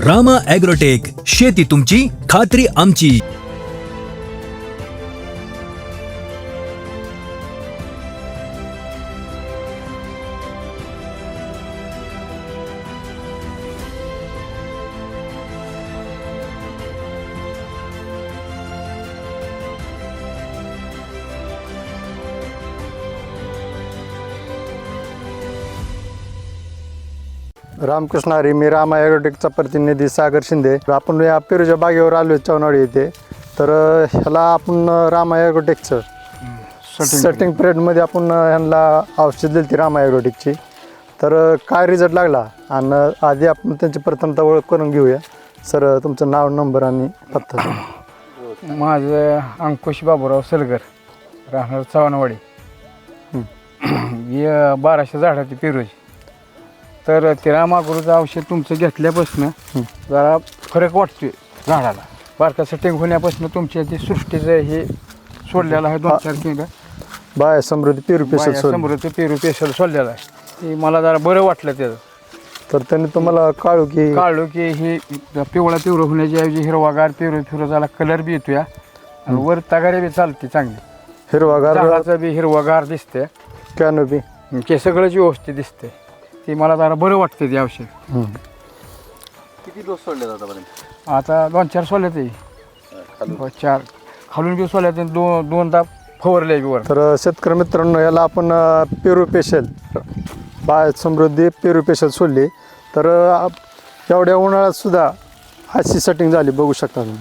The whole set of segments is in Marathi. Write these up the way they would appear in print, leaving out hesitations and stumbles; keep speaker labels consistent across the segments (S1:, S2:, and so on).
S1: रामा ॲग्रोटेक, शेती तुमची, खात्री आमची.
S2: रामकृष्ण हरी. मी रामा ॲग्रोटेकचा प्रतिनिधी सागर शिंदे. आपण या पेरूच्या बागेवर आलो चवनाळी येथे. तर ह्याला आपण रामा ॲग्रोटेकचं सेटिंग पिरियडमध्ये आपण ह्यांना औषध दिली ती रामा ॲग्रोटेकची. तर काय रिझल्ट लागला आणि आधी आपण त्यांची प्रथमता ओळख करून घेऊया. सर, तुमचं नाव, नंबर आणि पत्ता सांगा.
S3: माझं अंकुश बाबूराव सलगर, राहणार चव्हाणवाडी. 1200 झाडाची पेरूची. तर ते रामागुरूचं औषध तुमचं घेतल्यापासून जरा फरक वाटतोय झाडाला. बारका सेटिंग होण्यापासून तुमच्या ते सृष्टीचं हे सोडलेलं आहे 2-4 किलो
S2: बाय समृद्धी पेरू पेशल
S3: समृद्ध पेरू पेशल सोडलेलं आहे. ते मला जरा बरं वाटलं त्याचं.
S2: तर त्यांनी तुम्हाला काढू की
S3: ही पिवळा पिवळं होण्याच्या ऐवजी हिरवागार पेरू झाला, कलर बी येतोय आणि वर तगारे बी चालते चांगली.
S2: हिरवागार
S3: झाडाचं बी हिरवागार दिसते,
S2: कॅनोपी
S3: ते सगळंच व्यवस्थित दिसते. ते मला जरा बरं वाटतं ते औषध.
S4: किती डोस सोडले आतापर्यंत?
S3: आता 2-4 सोडले ते 4 खालून बी सोडले, दोनदा फवारले बी वर.
S2: तर शेतकरी मित्रांनो, याला आपण पेरू पेशल बाय समृद्धी पेरू पेशल सोडली. तर एवढ्या उन्हाळ्यात सुद्धा अशी सेटिंग झाली, बघू शकता तुम्ही.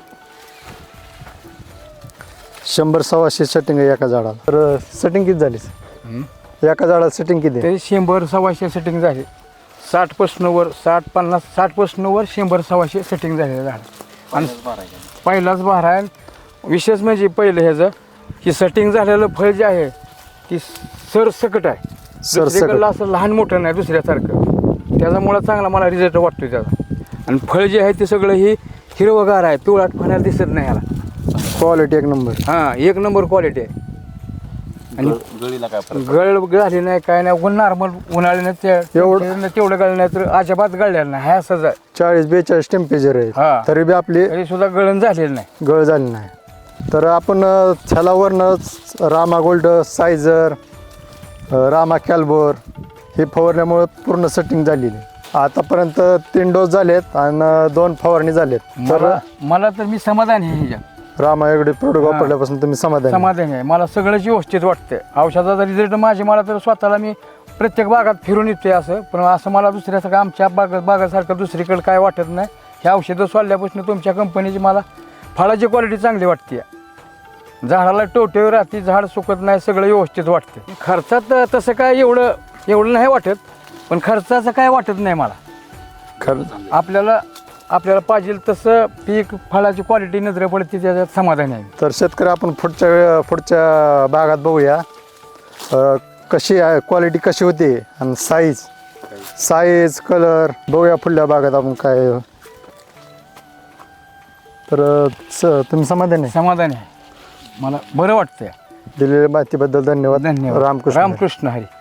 S2: 100-125 सेटिंग आहे एका झाडाला. तर सेटिंग किती झाली एका झाडाला? सेटिंग किती?
S3: तरी 100-125 सेटिंग झाली. 60% वर 60% वर 100-125 सेटिंग झालेलं झाड. आणि पहिलाच बहार आहे. विशेष म्हणजे पहिलं ह्याचं की सेटिंग झालेलं फळ जे आहे ती सरसकट आहे. दुसरीकडलं असं लहान मोठं नाही दुसऱ्यासारखं. त्याच्यामुळं चांगला मला रिझल्ट वाटतोय त्याचा. आणि फळ जे आहे ते सगळं ही हिरवगार आहे, पिवळाट पाण्याला दिसत नाही याला.
S2: क्वालिटी एक नंबर.
S3: हां, एक नंबर क्वालिटी आहे. आणि
S4: गळीला काय फरक?
S3: गळ झाली नाही, काय नाही. नॉर्मल उन्हाळ्यानं तेवढं गळ नाही, तर अजिबात गळलेलं नाही. हा असंच आहे.
S2: 40-42 टेम्परेचर आहे,
S3: हा.
S2: तरी बी आपली
S3: तरी सुद्धा गळण झालेलं नाही.
S2: गळ झाली नाही. तर आपण छालावरनं रामा गोल्ड, सायझर, रामा कॅल्बोर हे फवारल्यामुळे पूर्ण सेटिंग झालेली. आतापर्यंत 3 डोस झालेत आणि 2 फवारणी झालेत. तर
S3: मला तर मी समाधान आहे ह्याच्यात.
S2: रामा एवढे प्रोडक्ट वापरल्यापासून तुम्ही
S3: समाधान आहे. मला सगळंच व्यवस्थित वाटतंय. औषधाचा रिझल्ट मला तर स्वतःला मी प्रत्येक बागात फिरून येतोय असं. पण असं मला दुसऱ्यासारखं आमच्या बागासारखं दुसरीकडे काय वाटत नाही. हे औषधं सोडल्यापासून तुमच्या कंपनीची मला फळाची क्वालिटी चांगली वाटते. झाडाला टोटेवर राहते, झाड सुकत नाही, सगळं व्यवस्थित वाटते. खर्चात तसं काय एवढं नाही वाटत, पण खर्चाचं काय वाटत नाही मला. आपल्याला पाहिजे तसं पीक, फळाची क्वालिटी नजरे पडते, त्याच्यात समाधान आहे.
S2: तर शेतकरी आपण पुढच्या भागात बघूया कशी आहे, क्वालिटी कशी होती आणि साईज कलर बघूया पुढल्या भागात आपण काय. तर तुम्ही समाधान
S3: आहे. मला बरं वाटतंय.
S2: दिलेल्या माहितीबद्दल धन्यवाद.
S3: रामकृष्ण हरी.